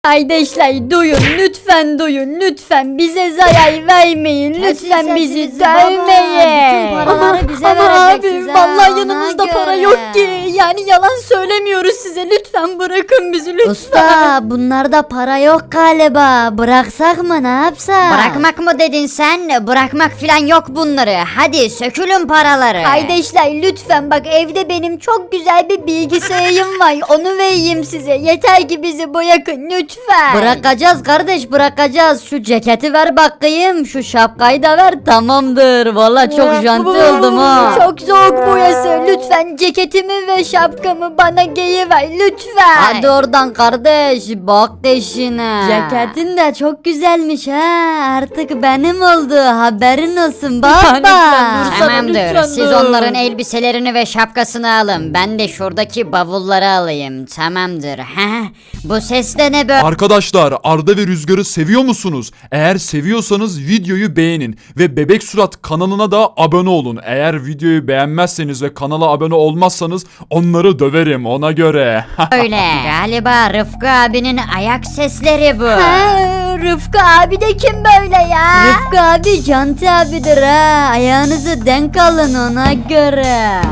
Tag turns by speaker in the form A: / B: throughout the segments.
A: Kardeşler duyun, lütfen duyun, lütfen bize zarar vermeyin, lütfen
B: Kesin
A: bizi
B: sesinizi baba,
A: dövmeyin.
B: bütün paraları bize
A: ama
B: vereceksiniz
A: abi
B: ha,
A: vallahi
B: ona
A: yanımızda para
B: göre.
A: yok ki, yani yalan söylemiyoruz size, lütfen bırakın bizi lütfen.
B: Usta bunlarda para yok galiba. Bıraksak mı, ne yapsak?
C: Bırakmak mı dedin sen? Bırakmak falan yok bunları. Hadi sökülün paraları.
A: Kardeşler lütfen bak, evde benim çok güzel bir bilgisayarım var, onu vereyim size, yeter ki bizi bırakın lütfen.
B: Bırakacağız kardeş, bırakacağız. Şu ceketi ver bakayım, şu şapkayı da ver, tamamdır. Valla çok janti oldum ha.
A: Çok soğuk burası, lütfen ceketimi ve şapkamı bana giyiver lütfen.
B: Hadi oradan kardeş, bak deşine. Ceketin de çok güzelmiş ha. Artık benim oldu, haberin olsun baba.
A: Lütfen dur.
C: Tamamdır.
A: Lütfen
C: Siz
A: dur.
C: onların elbiselerini ve şapkasını alın. Ben de şuradaki bavulları alayım. Tamamdır. Heh. Bu ses de ne böyle?
D: Arkadaşlar Arda ve Rüzgar'ı seviyor musunuz? Eğer seviyorsanız videoyu beğenin ve Bebek Surat kanalına da abone olun. Eğer videoyu beğenmezseniz ve kanala abone olmazsanız onları döverim ona göre.
C: Öyle. Galiba Rıfkı abinin ayak sesleri bu.
A: Ha, Rıfkı abi de kim böyle ya?
B: Rıfkı abi janti abidir ha. Ayağınızı denk alın ona göre.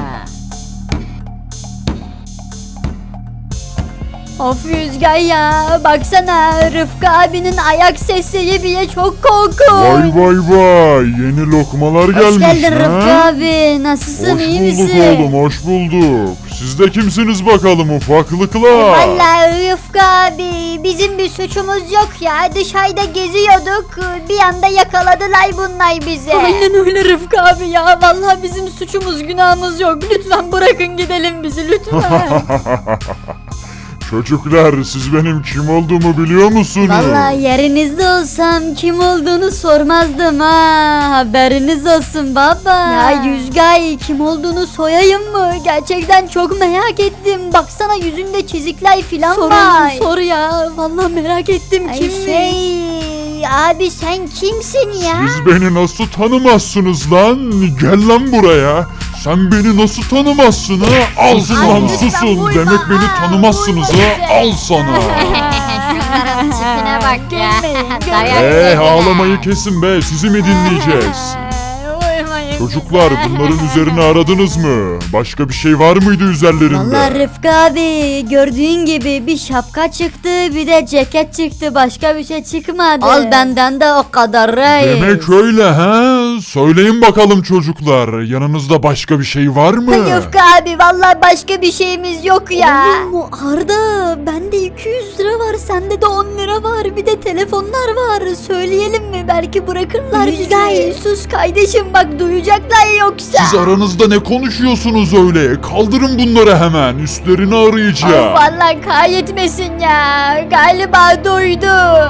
A: Of Rüzgar ya, baksana Rıfkı abinin ayak sesleri bile çok korkunç.
E: Vay vay vay, yeni lokmalar
B: Hoş
E: gelmiş
B: geldin
E: ha?
B: Rıfkı abi. Nasılsın,
E: Hoş
B: iyi
E: bulduk
B: misin?
E: oğlum, hoş bulduk. Siz de kimsiniz bakalım ufaklıklar?
A: Vallahi Rıfkı abi, bizim bir suçumuz yok ya, dışarıda geziyorduk, bir anda yakaladılar bunlar bizi. Aynen öyle Rıfkı abi ya, vallahi bizim suçumuz günahımız yok, lütfen bırakın gidelim bizi lütfen.
E: Çocuklar, siz benim kim olduğumu biliyor musunuz?
B: Vallahi yerinizde olsam kim olduğunu sormazdım ha. Haberiniz olsun baba.
A: Ya Rüzgar, kim olduğunu soyayım mı? Gerçekten çok merak ettim. Baksana yüzünde çizikler filan var. Sor ya. Vallahi merak ettim kimmiş? Abi sen kimsin ya?
E: Siz beni nasıl tanımazsınız lan? Gel lan buraya. Sen beni nasıl tanımazsın ha? Al
A: Ay,
E: lan
A: lütfen
E: susun.
A: vurma.
E: Demek beni
A: Aa,
E: tanımazsınız
A: vurma
E: ha?
A: bize.
E: Al sana.
C: Şunların tipine bak ya.
A: Gülmeyin,
C: Dayak
A: gülmeyin.
C: yediler.
E: Ağlamayı kesin be, sizi mi dinleyeceğiz? Çocuklar, bunların üzerine aradınız mı? Başka bir şey var mıydı üzerlerinde?
B: Vallahi Rıfkı abi gördüğün gibi bir şapka çıktı, bir de ceket çıktı, başka bir şey çıkmadı. Al benden de o kadar reis.
E: Demek öyle ha? Söyleyin bakalım çocuklar, yanınızda başka bir şey var mı?
A: Rıfkı abi, vallahi başka bir şeyimiz yok ya.
B: Oğlum Arda, bende 200 lira var, sende de 10 lira var, bir de telefonlar var. Söyleyelim mi, belki bırakırlar
A: Rüzgar
B: bizi.
A: sus kardeşim, bak duyacaklar yoksa.
E: Siz aranızda ne konuşuyorsunuz öyle? Kaldırın bunları hemen, üstlerini
A: Of,
E: arayacağım.
A: vallahi kaybetmesin ya. Galiba duydu.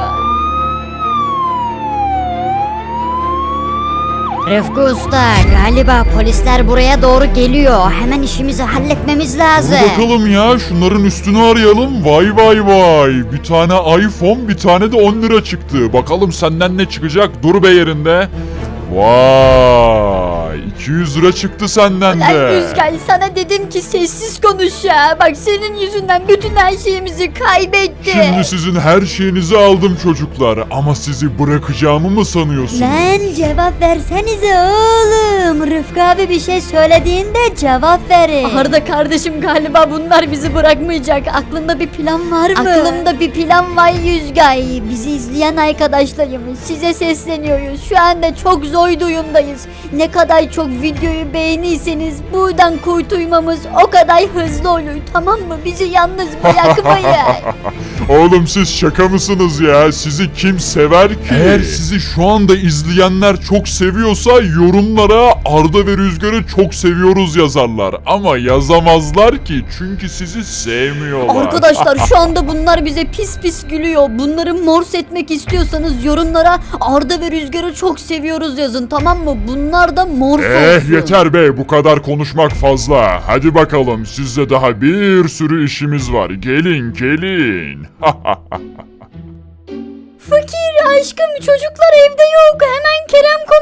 C: Rıfkı Usta, galiba polisler buraya doğru geliyor. Hemen işimizi halletmemiz
E: Dur
C: lazım.
E: bakalım ya, şunların üstünü arayalım. Vay vay vay. Bir tane iPhone, bir tane de 10 lira çıktı. Bakalım senden ne çıkacak? Dur be yerinde. Vay, 200 lira çıktı senden
A: Lan
E: de.
A: Rüzgar, sana dedim ki sessiz konuş ya. Bak senin yüzünden bütün her şeyimizi kaybettik.
E: Şimdi sizin her şeyinizi aldım çocuklar. Ama sizi bırakacağımı mı sanıyorsunuz?
B: Lan cevap versenize oğlum. Rıfkı abi bir şey söylediğinde cevap verin.
A: Arda kardeşim, galiba bunlar bizi bırakmayacak. Aklında bir plan var mı? Aklımda bir plan var Rüzgar. Bizi izleyen arkadaşlarım, size sesleniyoruz. Şu anda çok zor durumdayız. Ne kadar çok videoyu beğenirseniz buradan kurtulmamız o kadar hızlı olur. Tamam mı? Bizi yalnız bırakmayın.
E: Oğlum siz şaka mısınız ya? Sizi kim sever ki? Eğer sizi şu anda izleyenler çok seviyorsa yorumlara Arda ve Rüzgar'ı çok seviyoruz yazarlar. Ama yazamazlar ki, çünkü sizi sevmiyorlar.
A: Arkadaşlar şu anda bunlar bize pis pis gülüyor. Bunları mors etmek istiyorsanız yorumlara Arda ve Rüzgar'ı çok seviyoruz yazın, tamam mı? Bunlar da mors olsun.
E: Yeter be, bu kadar konuşmak fazla. Hadi bakalım, sizde daha bir sürü işimiz var. Gelin gelin.
A: Fakir aşkım, çocuklar evde yok. Hemen Kerem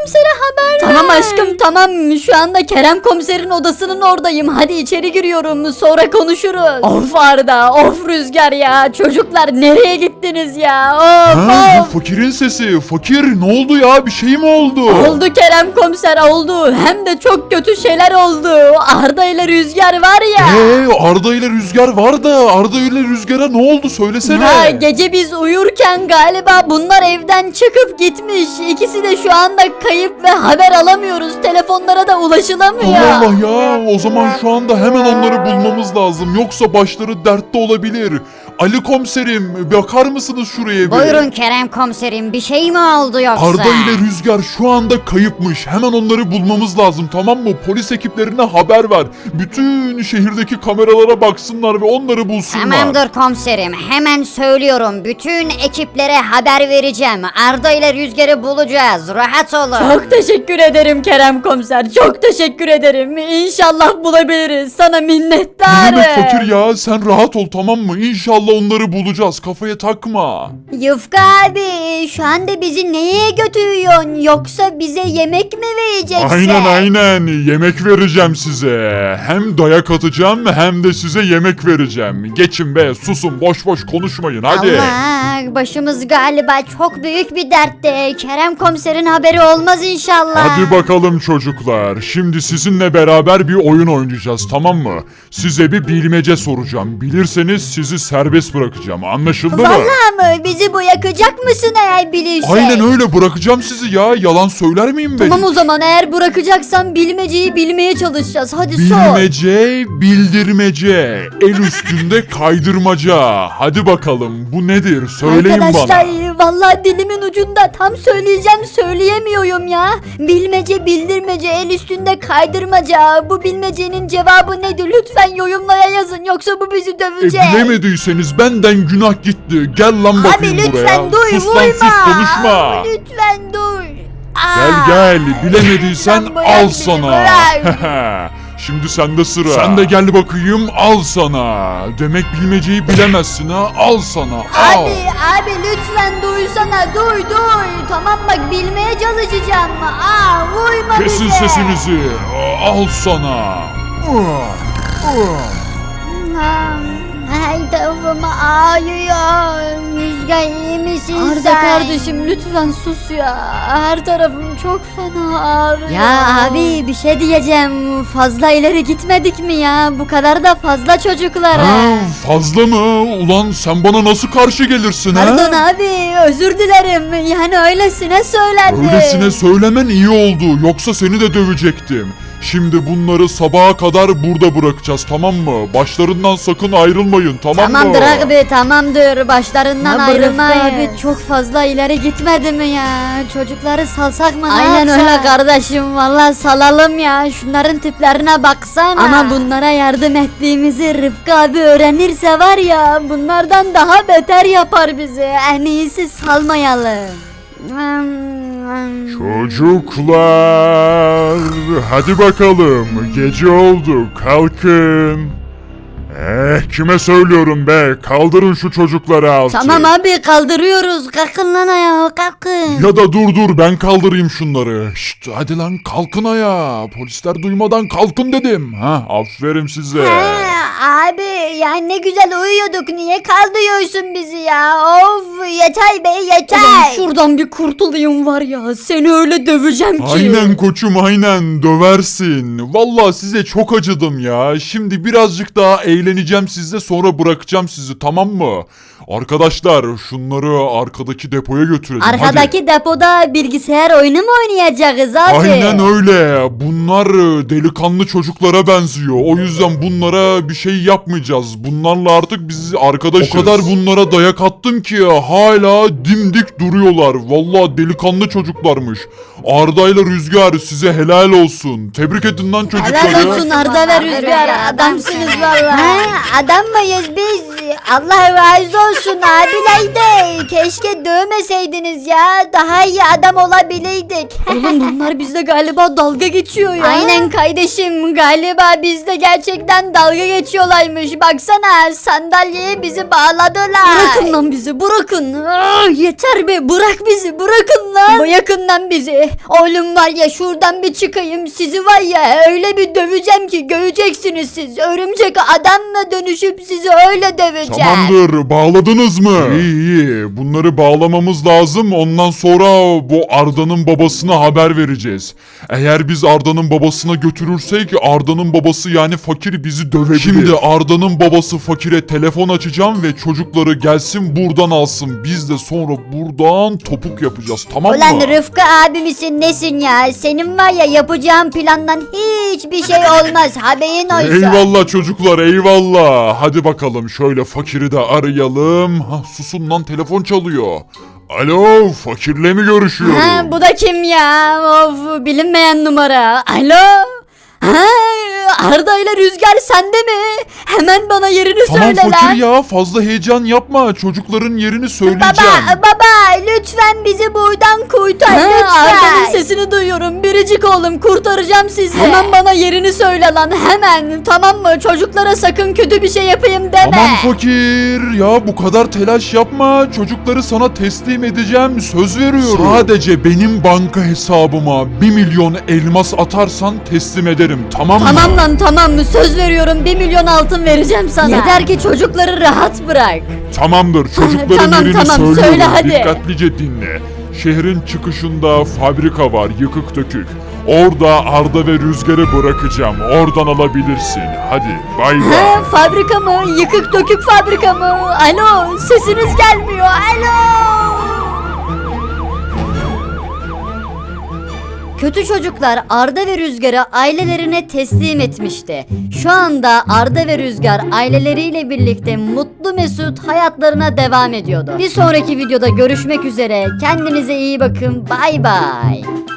A: komisere haber ver. Tamam aşkım tamam. Şu anda Kerem komiserin odasının oradayım. Hadi içeri giriyorum. Sonra konuşuruz. Of Arda, of Rüzgar ya. Çocuklar nereye gittiniz ya? Of
E: Ha,
A: of.
E: bu fakirin sesi. Fakir ne oldu ya? Bir şey mi oldu?
A: Oldu Kerem komiser oldu. Hem de çok kötü şeyler oldu. Arda ile Rüzgar var ya.
E: Arda ile Rüzgar var da Arda ile Rüzgar'a ne oldu söylesene.
A: Ha, gece biz uyurken galiba bunlar evden çıkıp gitmiş. İkisi de şu anda kayıp ve haber alamıyoruz. Telefonlara da ulaşılamıyor.
E: Allah Allah ya, o zaman şu anda hemen onları bulmamız lazım. Yoksa başları dertte olabilir. Ali komiserim, bakar mısınız şuraya bir?
C: Buyurun Kerem komiserim, bir şey mi oldu yoksa?
E: Arda ile Rüzgar şu anda kayıpmış. Hemen onları bulmamız lazım, tamam mı? Polis ekiplerine haber ver. Bütün şehirdeki kameralara baksınlar ve onları bulsunlar.
C: Tamamdır komiserim, hemen söylüyorum. Bütün ekiplere haber vereceğim. Arda ile Rüzgar'ı bulacağız. Rahat olun.
A: Çok teşekkür ederim Kerem komiser. Çok teşekkür ederim. İnşallah bulabiliriz. Sana
E: Ne
A: minnettarım.
E: demek fakir ya? Sen rahat ol, tamam mı? İnşallah onları bulacağız. Kafaya takma.
B: Yufka abi şu anda bizi neye götürüyorsun? Yoksa bize yemek mi vereceksin?
E: Aynen. Yemek vereceğim size. Hem dayak atacağım hem de size yemek vereceğim. Geçin be, susun, boş boş konuşmayın hadi.
B: Allah başımız galiba çok büyük bir dertte. Kerem komiserin haberi olmaz inşallah.
E: Hadi bakalım çocuklar. Şimdi sizinle beraber bir oyun oynayacağız, tamam mı? Size bir bilmece soracağım. Bilirseniz sizi serbest bırakacağım. Anlaşıldı mı?
B: Vallahi mı? Bizi bu yakacak mısın eğer bilirsen?
E: Aynen öyle, bırakacağım sizi ya. Yalan söyler miyim ben?
A: Tamam o zaman eğer bırakacaksan bilmeceyi bilmeye çalışacağız. Hadi sor.
E: Bilmece, bildirmece, el üstünde kaydırmaca. Hadi bakalım, bu nedir? Söyleyin
A: Arkadaşlar
E: bana.
A: vallahi dilimin ucunda tam söyleyeceğim söyleyemiyorum ya. Bilmece bildirmece el üstünde kaydırmaca. Bu bilmecenin cevabı nedir? Lütfen yorumlara yazın yoksa bu bizi dövecek.
E: Bilemediyseniz benden günah gitti. Gel lan
A: Abi
E: bakayım buraya.
A: lütfen dur
E: Sus
A: vurma.
E: lan sus, konuşma.
A: Lütfen dur.
E: Gel bilemediysen
A: Sen bırak
E: al
A: beni,
E: sana.
A: bırak.
E: Şimdi sende sıra. Sen de gel bakayım, al sana. Demek bilmeceyi bilemezsin ha, al sana, al.
A: Abi lütfen duysana dur. Tamam bak bilmeye çalışacağım. Vurma
E: Kesin
A: bize.
E: sesinizi, al sana.
A: Her tarafım ağrıyor. Rüzgar iyi misin
B: Arda
A: sen?
B: kardeşim lütfen sus ya. Her tarafım çok fena ağrıyor.
A: Ya
B: abi bir şey diyeceğim. Fazla ileri gitmedik mi ya? Bu kadar da fazla çocuklara.
E: Ha, fazla mı? Ulan sen bana nasıl karşı gelirsin ha?
B: Pardon abi özür dilerim. Yani öylesine söyledim.
E: Öylesine söylemen iyi oldu. Yoksa seni de dövecektim. Şimdi bunları sabaha kadar burada bırakacağız, tamam mı? Başlarından sakın ayrılmayın, tamam mı?
B: Tamamdır abi tamamdır. Başlarından
A: Ya
B: ayrılmayın.
A: bırak
B: Abi çok fazla ileri gitmedi mi ya? Çocukları salsak mı?
A: Aynen öyle
B: kardeşim. Vallahi salalım ya. Şunların tiplerine baksana. Ama bunlara yardım ettiğimizi Rıfkı abi öğrenirse var ya bunlardan daha beter yapar bizi. En iyisi salmayalım.
E: Çocuklar, hadi bakalım. Gece oldu, kalkın. Kime söylüyorum be? Kaldırın şu çocukları altı.
B: Tamam abi kaldırıyoruz. Kalkın lan ayağa kalkın.
E: Ya da dur ben kaldırayım şunları. Şşt, hadi lan kalkın ayağa. Polisler duymadan kalkın dedim. Ha, aferin size.
A: Abi ya ne güzel uyuyorduk. Niye kaldırıyorsun bizi ya? Of yeter be yeter.
B: Ulan şuradan bir kurtulayım var ya. Seni öyle döveceğim ki.
E: Aynen koçum, aynen döversin. Vallahi size çok acıdım ya. Şimdi birazcık daha eğleneceğim sizle, sonra bırakacağım sizi, tamam mı? Arkadaşlar şunları arkadaki depoya götürelim. hadi.
B: Arkadaki depoda bilgisayar oyunu mu oynayacağız abi?
E: Aynen öyle. Bunlar delikanlı çocuklara benziyor. O yüzden bunlara bir şey yapmayacağız. Bunlarla artık biz arkadaşız. O kadar bunlara dayak attım ki hala dimdik duruyorlar. Vallahi delikanlı çocuklarmış. Arda ile Rüzgar, size helal olsun. Tebrik edin lan çocukları.
B: Helal olsun Arda ve Rüzgar. Adamsınız valla.
A: Ha, adam mıyız biz? Allah razı olsun. olsun abiler, keşke dövmeseydiniz ya, daha iyi adam olabilirdik.
B: Oğlum bunlar bizle galiba dalga geçiyor ya.
A: Aynen kardeşim, galiba bizde gerçekten dalga geçiyorlarmış. Baksana, sandalyeye bizi bağladılar.
B: Bırakın lan bizi, bırakın. Ah, yeter be, bırak bizi, bırakın lan.
A: Bırakın bizi. Oğlum var ya, şuradan bir çıkayım, sizi var ya öyle bir döveceğim ki göreceksiniz siz. Örümcek adamla dönüşüp sizi öyle döveceğim.
E: Tamamdır, bağladınız mı? İyi. Bunları bağlamamız lazım. Ondan sonra bu Arda'nın babasına haber vereceğiz. Eğer biz Arda'nın babasına götürürsek Arda'nın babası yani fakir bizi dövebilir. Şimdi Arda'nın babası fakire telefon açacağım ve çocukları gelsin buradan alsın. Biz de sonra buradan topuk yapacağız, tamam mı?
A: Ulan Rıfkı abi misin nesin ya? Senin var ya yapacağın plandan hiçbir şey olmaz, haberin olsun.
E: Eyvallah çocuklar, eyvallah. Hadi bakalım şöyle fakiri de arayalım. Susun lan, telefon çalıyor. Alo, fakirle mi görüşüyorum?
B: Ha, bu da kim ya? Of, bilinmeyen numara. Alo? Ha, Arda ile Rüzgar sende mi? Hemen bana yerini
E: Tamam
B: söyle
E: fakir
B: lan.
E: ya, fazla heyecan yapma. Çocukların yerini söyleyeceğim.
A: Baba lütfen bizi buradan kurtar,
B: Ha, Arda'nın
A: lütfen.
B: sesini duyuyorum. Biricik oğlum, kurtaracağım sizi. Hemen bana yerini söyle lan, hemen. Tamam mı? Çocuklara sakın kötü bir şey yapayım deme.
E: Tamam fakir ya, bu kadar telaş yapma. Çocukları sana teslim edeceğim, söz veriyorum. Sadece benim banka hesabıma 1 milyon elmas atarsan teslim ederim, tamam mı?
B: Tamam lan, tamam mı? Söz veriyorum, 1 milyon altın vereceğim sana. Yeter ki çocukları rahat bırak.
E: Tamamdır, çocukların
B: Tamam,
E: yerini
B: tamam,
E: söylüyorum.
B: söyle hadi.
E: Dikkatlice dinle. Şehrin çıkışında fabrika var, yıkık dökük. Orada Arda ve Rüzgar'ı bırakacağım. Oradan alabilirsin. Hadi bay bay.
B: Ha, fabrika mı? Yıkık dökük fabrika mı? Alo, sesiniz gelmiyor. Alo. Kötü çocuklar Arda ve Rüzgar'ı ailelerine teslim etmişti. Şu anda Arda ve Rüzgar aileleriyle birlikte mutlu mesut hayatlarına devam ediyordu. Bir sonraki videoda görüşmek üzere. Kendinize iyi bakın. Bay bay.